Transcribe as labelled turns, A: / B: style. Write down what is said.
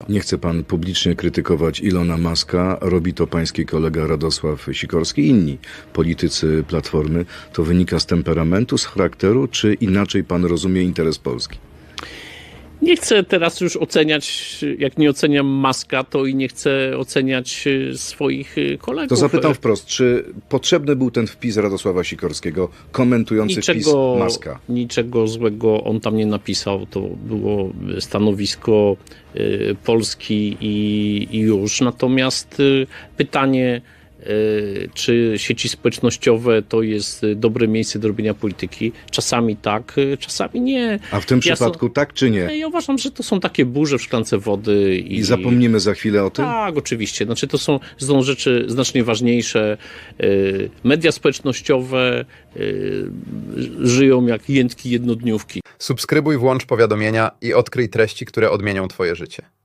A: Nie chce pan publicznie krytykować Ilona Muska, robi to pański kolega Radosław Sikorski i inni politycy Platformy. To wynika z temperamentu, z charakteru, czy inaczej pan rozumie interes Polski?
B: Nie chcę teraz już oceniać, jak nie oceniam Muska, to i nie chcę oceniać swoich kolegów.
A: To zapytam wprost, czy potrzebny był ten wpis Radosława Sikorskiego komentujący wpis Muska?
B: Niczego złego on tam nie napisał. To było stanowisko Polski i już. Natomiast pytanie, czy sieci społecznościowe to jest dobre miejsce do robienia polityki? Czasami tak, czasami nie.
A: A w tym przypadku tak czy nie?
B: Ja uważam, że to są takie burze w szklance wody.
A: I zapomnimy za chwilę o tym?
B: Tak, oczywiście. Znaczy, to są rzeczy znacznie ważniejsze. Media społecznościowe żyją jak jętki jednodniówki.
C: Subskrybuj, włącz powiadomienia i odkryj treści, które odmienią twoje życie.